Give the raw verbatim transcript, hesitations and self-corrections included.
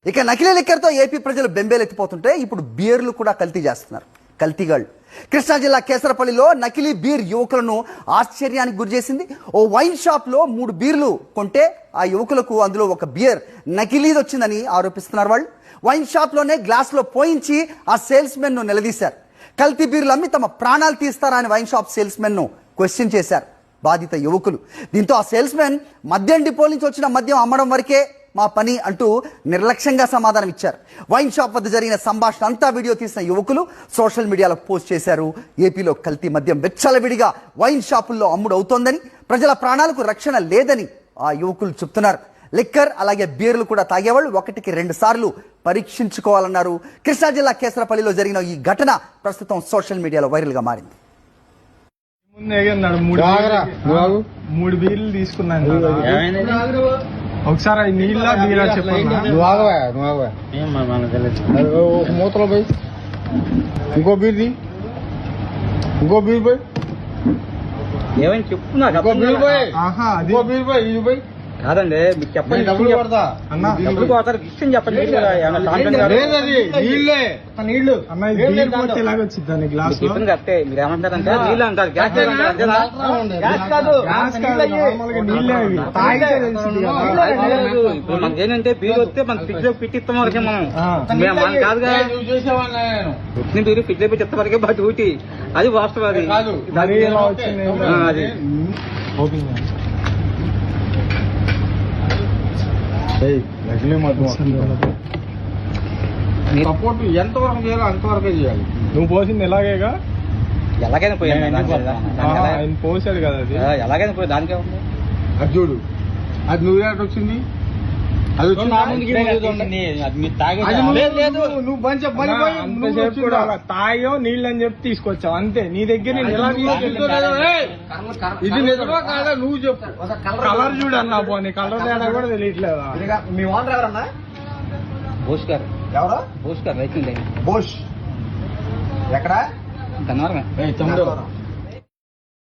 ఇక నకిలీ లిక్కర్తో ఏపీ ప్రజలు బెంబేలెత్తిపోతుంటే ఇప్పుడు బీర్లు కూడా కల్తీ చేస్తున్నారు కల్తీగాళ్ళు. కృష్ణా జిల్లా కేసరపల్లిలో నకిలీ బీర్ యువకులను ఆశ్చర్యానికి గురిచేసింది. ఓ వైన్ షాప్ లో మూడు బీర్లు కొంటే ఆ యువకులకు అందులో ఒక బియర్ నకిలీది వచ్చిందని ఆరోపిస్తున్నారు. వాళ్ళు వైన్ షాప్ లోనే గ్లాస్ లో పోయించి ఆ సేల్స్ మెన్ ను నిలదీశారు. కల్తీ బీర్లు అమ్మి తమ ప్రాణాలు తీస్తారా అని వైన్ షాప్ సేల్స్ మెన్ ను క్వశ్చన్ చేశారు బాధిత యువకులు. దీంతో ఆ సేల్స్ మెన్ మద్యం డిపో నుంచి వచ్చిన మద్యం అమ్మడం వరకే మా పని అంటూ నిర్లక్ష్యంగా సమాధానం ఇచ్చారు. వైన్ షాప్ వద్ద జరిగిన సంభాషణ అంతా వీడియో తీసిన యువకులు సోషల్ మీడియాలో పోస్ట్ చేశారు. ఏపీలో కల్తీ మద్యం వెచ్చలవిడిగా వైన్ షాపుల్లో అమ్ముడు అవుతోందని, ప్రజల ప్రాణాలకు రక్షణ లేదని ఆ యువకులు చెప్తున్నారు. లిక్కర్ అలాగే బీర్లు కూడా తాగేవాళ్ళు ఒకటికి రెండు సార్లు పరీక్షించుకోవాలన్నారు. కృష్ణా జిల్లా కేసరపల్లిలో జరిగిన ఈ ఘటన ప్రస్తుతం సోషల్ మీడియాలో వైరల్ గా మారింది. మూడు బీర్లు తీసుకున్నాను. ఒకసారి నీళ్ళ బీరా చెప్పండి. మూతలో పోయి ఇంకో బీర్ది ఇంకో బీర్ పోయి ఏమైనా చెప్తున్నా ఇంకో బీర్ పోయి ఇంకో బీర్ పోయి ఇది పోయి కాదండి మీకు చెప్పండి. డబ్బులు కొడతా డబ్బులు పోతారు విషయం చెప్పండి. నీళ్ళే నీళ్లు ఎలాగొచ్చింది గ్లాస్ చెప్పింది కరెక్టే. మీరు ఏమంటారంటే నీళ్ళు అంటారు, గ్యాస్ ఇప్పుడు మనకి ఏంటంటే బీరు వస్తే మన ఫ్రిడ్జ్ లో పెట్టిస్తాం వరకే మనం మనం కాదుగా వచ్చిన బీరు ఫ్రిడ్జ్ లో పెట్టిస్తాం వరకే బట్ ఊటి అది వాస్తవం. అది అది సపోర్ట్ ఎంతవరకు చేయాలో అంతవరకే చేయాలి. నువ్వు పోసింది ఎలాగేగా ఎలాగైనా పోయాను ఆయన పోసాడు కదా అది ఎలాగైనా పోయి దానికే ఉంది. అది చూడు అది నువ్వు వచ్చింది అది వచ్చి తాగో నీళ్ళు అని చెప్పి తీసుకొచ్చావు అంతే. నీ దగ్గర ఇది నిజమా కాదా నువ్వు చెప్పు. కలర్ చూడు అన్నా పోనీ కలర్ తేడా కూడా తెలియట్లేదా? మీ ఓనర్ ఎవరన్నా? బోస్ గారు. ఎవరు? బోస్ గారు రైతు బోష్ ఎక్కడ? ధన్యవాదం.